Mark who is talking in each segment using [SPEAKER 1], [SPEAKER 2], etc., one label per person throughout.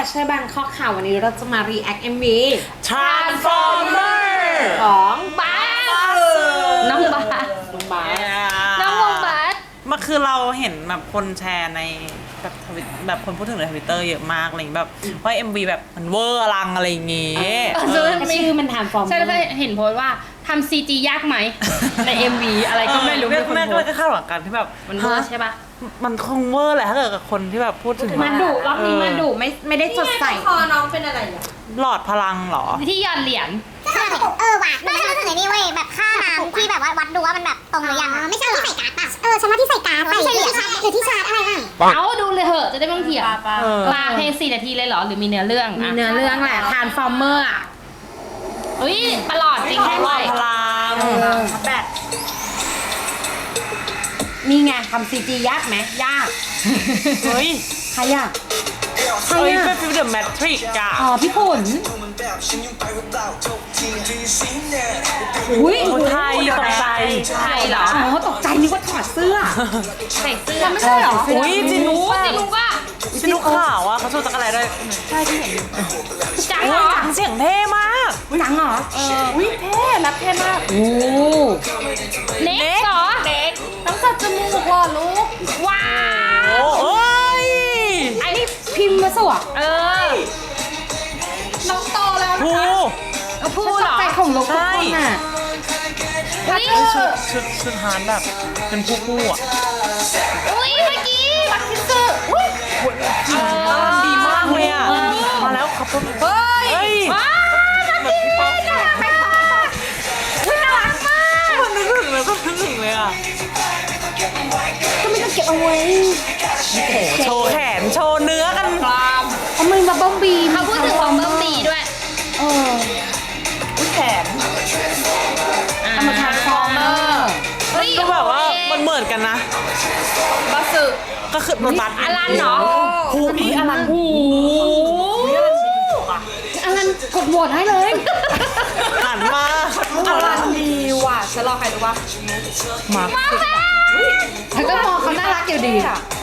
[SPEAKER 1] เชอร์แบงคอกค่ะวันนี้เราจะมา react MV
[SPEAKER 2] Transformer
[SPEAKER 1] ของบาส
[SPEAKER 3] น้องบาส
[SPEAKER 1] น้องบาส
[SPEAKER 3] น้องวงบาส
[SPEAKER 2] มันคือเราเห็นแบบคนแชร์ในแบบแบบคนพูดถึงในทวิตเตอร์เยอะมากอะไรอย่างแบบว่า MV แบบมันเวอร์อลังอะไรอย่างงี้
[SPEAKER 1] ชื่อมัน Transformer
[SPEAKER 3] ใช่แล้วก็เห็นโพสต์ว่าทำ CG ยากไหม ใน MV อะไรก็ไม่รู้
[SPEAKER 2] แม่
[SPEAKER 3] คน
[SPEAKER 2] แม่
[SPEAKER 3] โพ
[SPEAKER 2] ก็
[SPEAKER 3] สต์
[SPEAKER 2] คาดหวังกันที่แบบ
[SPEAKER 3] มันเวอร์ใช่ปะ
[SPEAKER 2] มันคงเวอร์แหละถ้าเกิดกับคนที่แบบพูดถึง
[SPEAKER 1] มันดุรอบนี้มันดุไม่ได้สดใส
[SPEAKER 4] คอน้องเป็นอะไรอ่ะ
[SPEAKER 2] หลอดพลังเหรอ
[SPEAKER 3] ที่หยอดเหรียญ
[SPEAKER 5] ว่ะไม่ใช่รู้สึกไอ้นี่เว้ยแบบค่าน้ำที่แบบว่าวัดดูว่ามันแบบตรงหรือยังไม่ใช่ที่ใส่การ์ดป่ะฉันว่าที่ใส่การ์ดไม่ใช่หรือที่ชาร์จอะไรบ้าง
[SPEAKER 3] เอาดูเลยเหอะจะได้ไม่ต้องเถียง
[SPEAKER 2] เออ
[SPEAKER 3] มาเพลง4 นาทีเลยเหรอ หรือมีเนื้อเรื่อง
[SPEAKER 1] มี
[SPEAKER 3] อะ
[SPEAKER 1] เนื้อเรื่องแหละ Transformer อ่ะ
[SPEAKER 3] เฮ้ยประหลอดจริงแค่
[SPEAKER 2] หล
[SPEAKER 3] ไหน
[SPEAKER 2] อดพลัง
[SPEAKER 1] แบตนี่ไงทำ CG ยากไหมยาก
[SPEAKER 2] เฮ้ย
[SPEAKER 1] ใครยากใคร
[SPEAKER 2] เฮ้ย
[SPEAKER 1] อ่ะ
[SPEAKER 2] เป็นฟิลเดอะแมทริกอะ
[SPEAKER 1] อ๋อพี่ขุนอุ้ย
[SPEAKER 2] คนไทยตกใจ
[SPEAKER 3] ใช่เหรอ
[SPEAKER 1] อ๋อตกใจนึกว่าถอดเสื้อ
[SPEAKER 3] ใส่เสื้อ
[SPEAKER 1] ไม่ใช่เหรอ
[SPEAKER 2] อุ้ยจินุก
[SPEAKER 3] จริงว่า
[SPEAKER 2] จินุกขาวอะเขาชูจักรอะไรด้วย
[SPEAKER 3] จัง
[SPEAKER 2] โอ้
[SPEAKER 3] เหร
[SPEAKER 2] ย
[SPEAKER 3] อ
[SPEAKER 2] จังเสียงเท่มาก
[SPEAKER 1] จังเหรออุ้ยเท่รับเท่มากโอ้
[SPEAKER 3] เน็กเหรอ
[SPEAKER 1] เด็กต้องตัดจมูกว่ะลูก
[SPEAKER 3] ว้า
[SPEAKER 2] โอ้
[SPEAKER 3] ว
[SPEAKER 2] เอ้ย
[SPEAKER 1] ไอ้นี่พิมพ์มาสวะ
[SPEAKER 3] เออ
[SPEAKER 1] น้องโตแล้วนะ
[SPEAKER 2] ภู
[SPEAKER 1] คะ
[SPEAKER 3] พูดเหรอ
[SPEAKER 1] ใจของลูกทุกคนน่ะ
[SPEAKER 3] เฮ้ย
[SPEAKER 2] ชุดฮานแบบเป็นผู้อะ
[SPEAKER 3] อุ้ยเมื่อกี้รักที่สุดอุ้ย
[SPEAKER 2] ดีมากเลยอะมาแล้วครับเฮ้ย
[SPEAKER 3] ว้าวรักที่สุดน่ารักมากอุ้ยน่ารักมาก
[SPEAKER 2] มันนึกถึงเลยก็นึกถึงเลยอะ
[SPEAKER 1] ก็ไม่ต้องเก็บเอาไว้
[SPEAKER 2] โชว์แขนโชว์เนื้อกัน
[SPEAKER 1] เอามือมาบ้องบี
[SPEAKER 3] เขาพูดถึงของเบิ้มบีด้วย
[SPEAKER 1] เออ
[SPEAKER 2] แขน
[SPEAKER 1] เอามาทำฟอร์เมอร์
[SPEAKER 3] เฮ้ย
[SPEAKER 2] ก็แบบว่ามันเหมือนกันนะ
[SPEAKER 3] บัสสึ
[SPEAKER 2] ก็คือรถบัส
[SPEAKER 3] อลันเหรอ
[SPEAKER 1] หูนี่อลันหูอลันกดโหวตให้เลย
[SPEAKER 2] หันมา
[SPEAKER 4] อลันดีว่ะฉันรอใครรู้ป่ะ
[SPEAKER 2] มา
[SPEAKER 1] แล้วก็มองเขาน่ารักอยู่ดี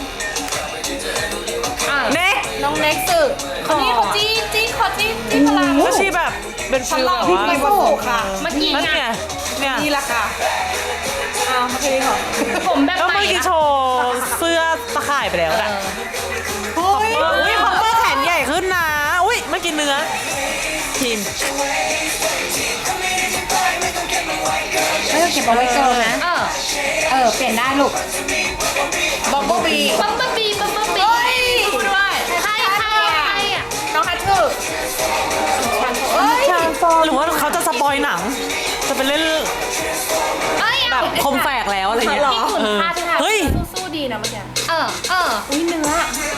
[SPEAKER 2] เน็ก
[SPEAKER 4] น้องเน็กซ์นี่เขาจี้พลัง
[SPEAKER 2] ก็ชีแบบเป็นฟิลแบบว่า
[SPEAKER 4] มีวัตถุค่ะ
[SPEAKER 3] เมื่อกี้
[SPEAKER 2] นั่น
[SPEAKER 3] ไง
[SPEAKER 2] ไงเนี่ย
[SPEAKER 4] นี่แหละค่ะอ้าวโอเคเหรอ
[SPEAKER 3] ผมแบบ
[SPEAKER 2] ก็
[SPEAKER 3] ใหม่
[SPEAKER 2] เมื่อกี้
[SPEAKER 3] นะ
[SPEAKER 2] โชว์เสื้อตะข่ายไปแล้วนะ
[SPEAKER 4] เฮ้ย
[SPEAKER 2] อุ้ยคอปเปอร์แขนใหญ่ขึ้นนะอุ้ยเมื่อกี้เนื้อทีม
[SPEAKER 1] ไม่ต้องเก็บเอาไว้เกินนะ เปลี่ยนได้ลูก
[SPEAKER 4] บอมเบิ้ลบี
[SPEAKER 3] บัมเบิ้ลบีบัมเบิ้ลบี
[SPEAKER 4] พูดด้วย
[SPEAKER 3] ใครอ่ะ
[SPEAKER 4] น้องฮัทเธอร์เฮ้ย
[SPEAKER 2] หรือว่าเขาจะสปอยหนัง จะไปเล่น
[SPEAKER 3] เอ้ย
[SPEAKER 2] แบบคมแฝกแล้วอะไรเงี้ย
[SPEAKER 3] ที่ขุนพาด้วยค่ะ
[SPEAKER 2] เฮ้ย
[SPEAKER 4] สู้ดีนะเมื่อกี้
[SPEAKER 3] อุ้ยเนื้อ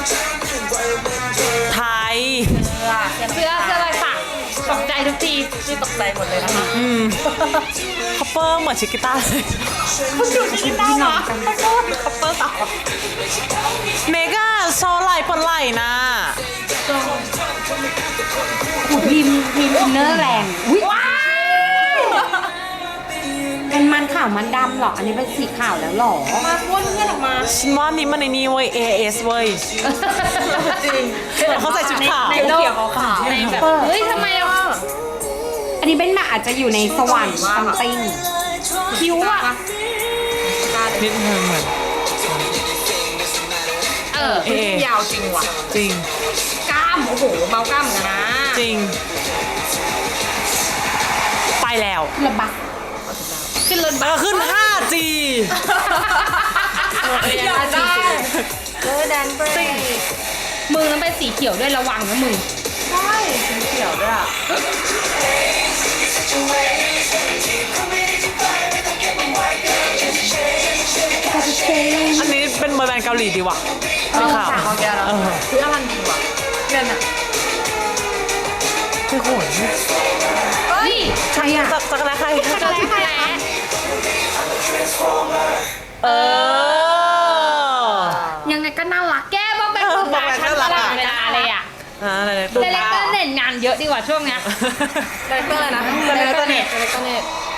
[SPEAKER 2] ไทย
[SPEAKER 3] เสื้อลายสักตกใจทุกที
[SPEAKER 4] นี่ตกใจหมดเลยนะคะ
[SPEAKER 2] คอปเปอร์เหมือนชิกิต้าเลย
[SPEAKER 4] พี่น้องเหรอขอโทษคัปเปอร์ต่อ
[SPEAKER 2] เมกาโชว์ไหล่ปนไหล่นะ
[SPEAKER 1] หูพิมพ์อินเนอร์แรงอุ้ยเป็นมันขาวมันดำเหรอ อันนี้เป็นสีขาวแล้วเหรอ
[SPEAKER 4] มาพ้นเพื่อนออกมา
[SPEAKER 2] ฉันว่านี่มันในนี้เว้ย AS เว้ย
[SPEAKER 4] จริง
[SPEAKER 2] เขาใส่ชุดขาว
[SPEAKER 4] ในโลกขาว
[SPEAKER 3] ในแบบเฮ้ยทำไมเรา
[SPEAKER 1] อันนี้เป็นแบบอาจจะอยู่ในสวรรค์ซัมติง
[SPEAKER 3] คิ้วอ่ะ
[SPEAKER 2] นิดนึงเหมือน เอ
[SPEAKER 4] ยาวจริงว่ะ
[SPEAKER 2] จริง
[SPEAKER 4] กล้ามโอ้โหเมากล้ามเหมือนกันนะ
[SPEAKER 2] จริง ไปแล้ว
[SPEAKER 1] ระบัก
[SPEAKER 3] ขึ้นรถ
[SPEAKER 2] แล้วก็ขึ้น 5G
[SPEAKER 4] อยากได้แดนเบรย์
[SPEAKER 3] มือนั้นเป็นสีเขียวด้วยระวังนะมึง
[SPEAKER 4] ใช่สีเขียวด้วยอ่ะ
[SPEAKER 2] อันนี้เป็นบอยแบนด์เกาหลีดีว่ะสีขาว
[SPEAKER 4] ของแกแล้ว
[SPEAKER 2] เออ
[SPEAKER 4] คืออลันดีว่ะเงินอ่ะ
[SPEAKER 2] คือโหย
[SPEAKER 3] เฮ้ย
[SPEAKER 1] ใครอ่ะ
[SPEAKER 2] จักรแล้ใคร
[SPEAKER 3] กระแลกระแล
[SPEAKER 2] เออ
[SPEAKER 1] ยังไงก็น่ารัก
[SPEAKER 3] แกบอกเป็นคนตาชั้นตลอดเวลาเลยอ่ะ
[SPEAKER 2] อะไร
[SPEAKER 3] เดเรคเตอร์เน็ตงานเยอะดีกว่าช่วงเนี้ย
[SPEAKER 4] ไดเรคเตอร์เลยนะไดเรคเตอร์เน็ต
[SPEAKER 3] เอ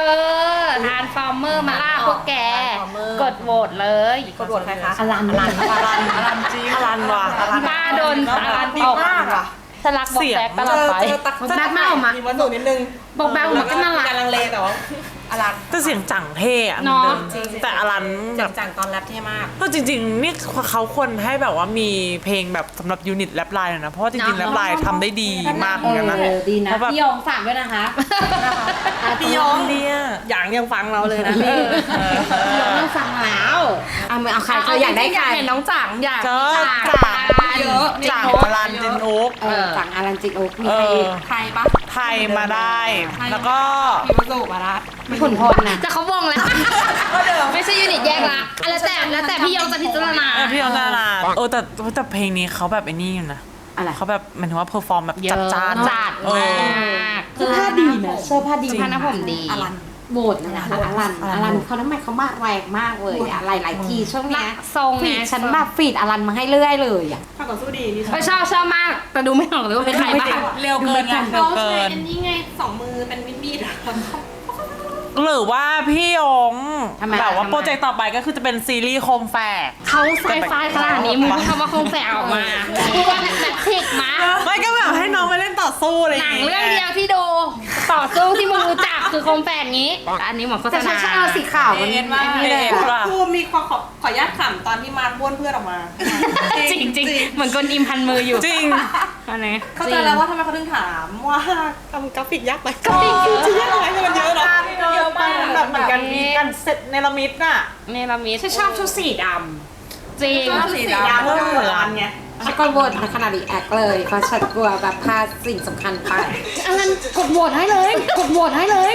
[SPEAKER 1] ทานฟอร์เมอร์มาล่าพวกแก กดโหวตเลย
[SPEAKER 3] กดโหวตใครคะ
[SPEAKER 1] อลัน
[SPEAKER 2] อลันจริงอลันว่ะ
[SPEAKER 1] ป้าโดนอลัน
[SPEAKER 3] ดี
[SPEAKER 1] ตก
[SPEAKER 3] มากอ่ะ
[SPEAKER 1] สลักบอกแบกตลอดไป
[SPEAKER 3] แบกไม่ออกมามีวันสูนิดนึง
[SPEAKER 1] บอกแบกมันก็น่ารัก
[SPEAKER 3] การลังเลแต่ว่าอลัน
[SPEAKER 2] แต่เสียงจังเท่อะ
[SPEAKER 1] เนอะ
[SPEAKER 2] จริงแต่อลันแบบ
[SPEAKER 3] จังตอนแรปเท่มาก
[SPEAKER 2] ก็จริงๆนี่เขาควรให้แบบว่ามีเพลงแบบสำหรับยูนิตแรปไลน์นะเพราะว่าจริงๆแรปไลน์ทำได้ดีมากเหมือนกันนะ
[SPEAKER 1] ดีนะ
[SPEAKER 2] เพราะแบบ
[SPEAKER 1] พี่ยองฝากด้วยนะคะ
[SPEAKER 3] พี่ยอง
[SPEAKER 2] เนี่ย
[SPEAKER 3] อย่างยังฟังเราเลยนะพี่
[SPEAKER 1] พี่ยองต้องฟังแล้วเอาใครเธออยากได้ใครเห็นน้องจังอยาก
[SPEAKER 2] เจอ
[SPEAKER 1] จัง
[SPEAKER 3] เยอะ
[SPEAKER 2] จังอลันจินโอ๊ก
[SPEAKER 1] จังอารันจิโอ๊กมี
[SPEAKER 2] เอ
[SPEAKER 1] ใคร
[SPEAKER 2] อ
[SPEAKER 3] ไทยปะ
[SPEAKER 2] ไทยมาได้ แล้วก็
[SPEAKER 3] พี่วสุมาละ
[SPEAKER 1] มีผลพลนะแต่เขาวงแล้ว ไม่ใช่ยูนิตแยกละแล้วแต่พี่ยองจะพิจารณา
[SPEAKER 2] พี่ยองนาราแต่เพลงนี้เขาแบบไอ้นี่อยู่นะ
[SPEAKER 1] อะไร
[SPEAKER 2] เขาแบบหมันถึงว่าเพอร์ฟอร์มแบบ
[SPEAKER 1] เย
[SPEAKER 2] จั
[SPEAKER 1] อะ
[SPEAKER 2] ดจ้าน
[SPEAKER 1] จัด
[SPEAKER 2] เอ
[SPEAKER 1] มา
[SPEAKER 2] อ
[SPEAKER 1] กเสื้อผ้าดีนะเสื้อผ้าดี
[SPEAKER 2] จริง
[SPEAKER 1] ผ้าหน้าผมดี
[SPEAKER 3] อลัน
[SPEAKER 1] โบดนะคะอลันเขาทำไมเขามาแรงมากเลยอะหลายทีช่วงเนี้ย
[SPEAKER 4] ทรงไง
[SPEAKER 1] ฟีดฉันแบบฟีดอลันมาให้เรื่อยเลยอะ
[SPEAKER 3] ข้าต่อสู้ดีพี่
[SPEAKER 1] ชอบมากแต่ดูไม่ออกเลยว่าเป็นใครบ้าง
[SPEAKER 2] เร็วเกินไงเร็วเกิน
[SPEAKER 3] อันนี้ไง2 มือเป็นมีดอะ
[SPEAKER 2] หรือว่าพี่ยง
[SPEAKER 1] ทำไม
[SPEAKER 2] แบบว่า
[SPEAKER 1] ทำไม
[SPEAKER 2] โปรเจกต์ต่อไปก็คือจะเป็นซีรีส์โคมแฝก
[SPEAKER 1] เขาไซไฟขนาดนี้มึงพูดคำว่าคงแฝงออกมาพูดว่าแมทริกมา
[SPEAKER 2] ไม่ก็แบบให้น้องไปเล่นต่อสู้อะไรอ
[SPEAKER 1] หนั
[SPEAKER 2] ย่าง ง
[SPEAKER 1] เรื่องเดียวที่ดูต่อสู้ที่มึงรู้จักคือคงแฝงนี้แต่อันนี้เหมือนโฆษณาสีขาวมัน
[SPEAKER 2] เอ็นมากเอ็นว่ะ
[SPEAKER 3] ครูมีขออนุญาตขำตอนที่มาบ้วนเพื่อนออกมา
[SPEAKER 1] จริงๆเหมือนกลอิมพันมืออยู่
[SPEAKER 2] จริง
[SPEAKER 1] อันนี้
[SPEAKER 3] เข้าใจแล้วว่าทำไมเขาถึงถามว่าทำกราฟิกยากไหม
[SPEAKER 1] กราฟิก
[SPEAKER 3] จะยากไหมมันเยอะเนาะเยอะมาก
[SPEAKER 2] แบบเหมือนกันมีการเซตเนลมิดน่ะ
[SPEAKER 1] เนลมิด
[SPEAKER 3] ชอบชุดสีด
[SPEAKER 1] จริง
[SPEAKER 3] ำสีดำก็เหมือนไง
[SPEAKER 1] ฉันก็โหวตขนาดอีแอคเลยเพราะฉันกลัวแบบพลาดสิ่งสำคัญไปอันนั้นกดโหวตให้เลยกดโหวตให้เลย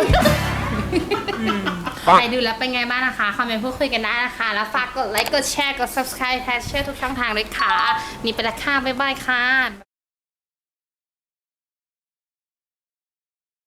[SPEAKER 1] ใครดูแล้วเป็นไงบ้างนะคะคอมเมนต์พูดคุยกันได้นะคะแล้วฝากกดไลค์กดแชร์กด subscribe แชร์ทุกช่องทางเลยค่ะนี่ไปและค่ะบ๊ายบายค่ะ